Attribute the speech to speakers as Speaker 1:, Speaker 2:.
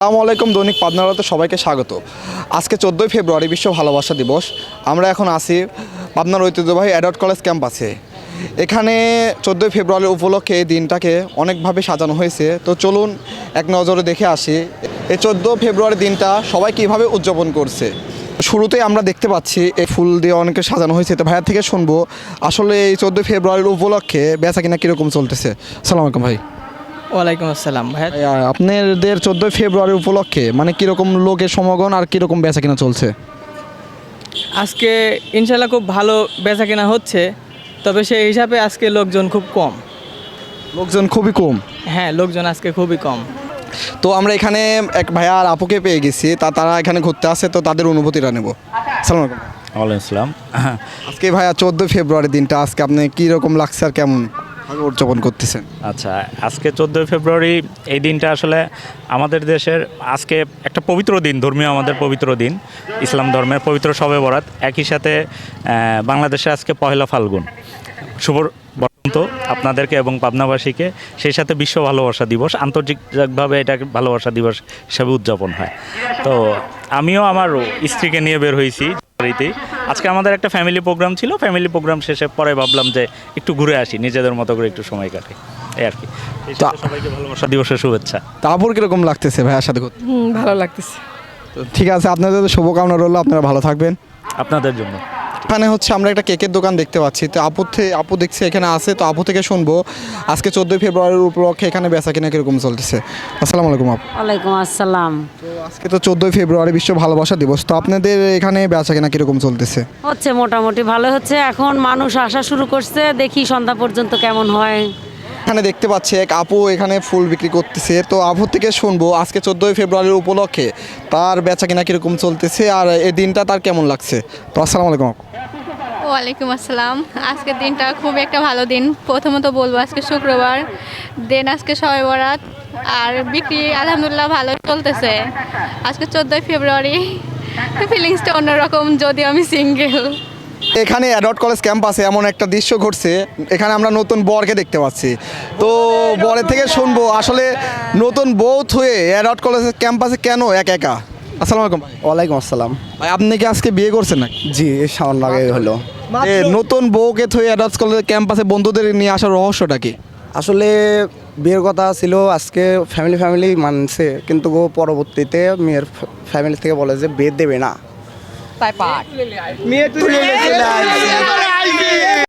Speaker 1: আসসালামু আলাইকুম, দৈনিক পাবনা বার্তাতে সবাইকে স্বাগত। আজকে 14ই ফেব্রুয়ারি বিশ্ব ভালোবাসা দিবস। আমরা এখন আছি পাবনার ঐতিহ্যবাহী অ্যাডট কলেজ ক্যাম্পাসে। এখানে 14ই ফেব্রুয়ারি উপলক্ষে এই দিনটাকে অনেকভাবে সাজানো হয়েছে। তো চলুন এক নজরে দেখে আসি এই 14 ফেব্রুয়ারি দিনটা সবাই কীভাবে উদযাপন করছে। শুরুতেই আমরা দেখতে পাচ্ছি এই ফুল দিয়ে অনেকে সাজানো হয়েছে। তো ভাইয়ার থেকে শুনবো আসলে এই 14ই ফেব্রুয়ারির উপলক্ষে বেচা কিনা কীরকম চলতেছে। আসসালামু আলাইকুম ভাই।
Speaker 2: ওয়ালাইকুম আসসালাম ভাই।
Speaker 1: আপনাদের 14ই ফেব্রুয়ারি উপলক্ষে মানে কীরকম লোকের সমাগম আর কীরকম বেচা কিনা চলছে?
Speaker 2: আজকে ইনশাল্লাহ খুব ভালো বেচা কেনা হচ্ছে, তবে সেই হিসাবে আজকে লোকজন খুব কম।
Speaker 1: লোকজন খুবই কম।
Speaker 2: হ্যাঁ, লোকজন আজকে খুবই কম।
Speaker 1: তো আমরা এখানে এক ভাইয়া আর আপুকে পেয়ে গেছি, তারা এখানে ঘুরতে আসে, তো তাদের অনুভূতিটা নেব। সালাম আলাইকুম।
Speaker 3: ওয়ালাইকুম আসসালাম।
Speaker 1: আজকে ভাইয়া 14 ফেব্রুয়ারি দিনটা আজকে আপনি কীরকম লাগছে আর কেমন উদযাপন করতেছেন?
Speaker 3: আচ্ছা, আজকে 14 ফেব্রুয়ারি এই দিনটা আসলে আমাদের দেশের আজকে একটা পবিত্র দিন, ধর্মীয় আমাদের পবিত্র দিন, ইসলাম ধর্মের পবিত্র শবে বরাত। একই সাথে বাংলাদেশে আজকে পহেলা ফাল্গুন। শুভ বসন্ত আপনাদেরকে এবং পাবনাবাসীকে, সেই সাথে বিশ্ব ভালোবাসা দিবস, আন্তর্জাতিকভাবে এটা ভালোবাসা দিবস হিসাবে উদযাপন হয়। তো আমিও আমার স্ত্রীকে নিয়ে বের হয়েছি বাড়িতে। আজকে আমাদের একটা ফ্যামিলি প্রোগ্রাম ছিল, ফ্যামিলি প্রোগ্রাম শেষে পরে ভাবলাম যে একটু ঘুরে আসি, নিজেদের মতো করে একটু সময় কাটে, এই আর কি। সবাইকে ভালোবাসা দিবসের শুভেচ্ছা।
Speaker 1: তারপর কীরকম লাগতেছে ভাইয়ার সাথে ঘুরতে?
Speaker 4: ভালো লাগতেছে।
Speaker 1: তো ঠিক আছে, আপনাদের শুভকামনা রইল, আপনারা ভালো থাকবেন।
Speaker 3: আপনাদের জন্য।
Speaker 1: এখানে হচ্ছে আমরা একটা কেকের দোকান দেখতে পাচ্ছি। তো আপু দেখছি এখানে আছে, তো আপু থেকে শুনবো আজকে 14ই ফেব্রুয়ারির উপলক্ষে এখানে বেচা কিনা কীরকম চলতেছে। আসসালামু আলাইকুম আপু।
Speaker 4: ওয়ালাইকুম আসসালাম।
Speaker 1: তো আজকে তো 14ই ফেব্রুয়ারি বিশ্ব ভালোবাসা দিবস, তো আপনাদের এখানে বেচা কিনা কীরকম চলতেছে?
Speaker 4: হচ্ছে মোটামুটি ভালো হচ্ছে, এখন মানুষ আসা শুরু করছে, দেখি সন্ধ্যা পর্যন্ত কেমন হয়।
Speaker 1: এখানে দেখতে পাচ্ছি এক আপু এখানে ফুল বিক্রি করতেছে। তো আপু থেকে শুনবো আজকে 14ই ফেব্রুয়ারির উপলক্ষে তার বেচা কিনা কীরকম চলতেছে আর এই দিনটা তার কেমন লাগছে। তো আসসালামু আলাইকুম আপু।
Speaker 5: ওয়ালাইকুম আসসালাম। আজকের দিনটা খুব একটা ভালো দিন। প্রথমত বলবো আজকে শুক্রবার, দেন আজকে শবে বরাত, আর বিক্রি আলহামদুলিল্লাহ ভালো চলতেছে। আজকে 14ই ফেব্রুয়ারি, ফিলিংসটা অন্যরকম, যদিও আমি সিঙ্গেল।
Speaker 1: এখানে অ্যাডট কলেজ ক্যাম্পাসে এমন একটা দৃশ্য ঘটছে, এখানে আমরা নতুন বরকে দেখতে পাচ্ছি। তো বরের থেকে শুনবো আসলে নতুন বউ হয়ে অ্যাডট কলেজ ক্যাম্পাসে কেন একা একা। আসসালামু আলাইকুম ভাই।
Speaker 6: ওয়ালাইকুম আসসালাম।
Speaker 1: ভাই আপনি কি আজকে বিয়ে করছেন নাকি?
Speaker 6: জি, সামান্য আগে হলো।
Speaker 1: নতুন বউকে থয়ে অ্যাডট কলেজ ক্যাম্পাসে বন্ধুদের নিয়ে আসার রহস্যটা কি?
Speaker 6: আসলে বিয়ের কথা ছিল, আজকে ফ্যামিলি মানছে, কিন্তু পরবর্তীতে মেয়ের ফ্যামিলি থেকে বলে যে বিয়ে দেবে না।
Speaker 4: তাই পাঠ।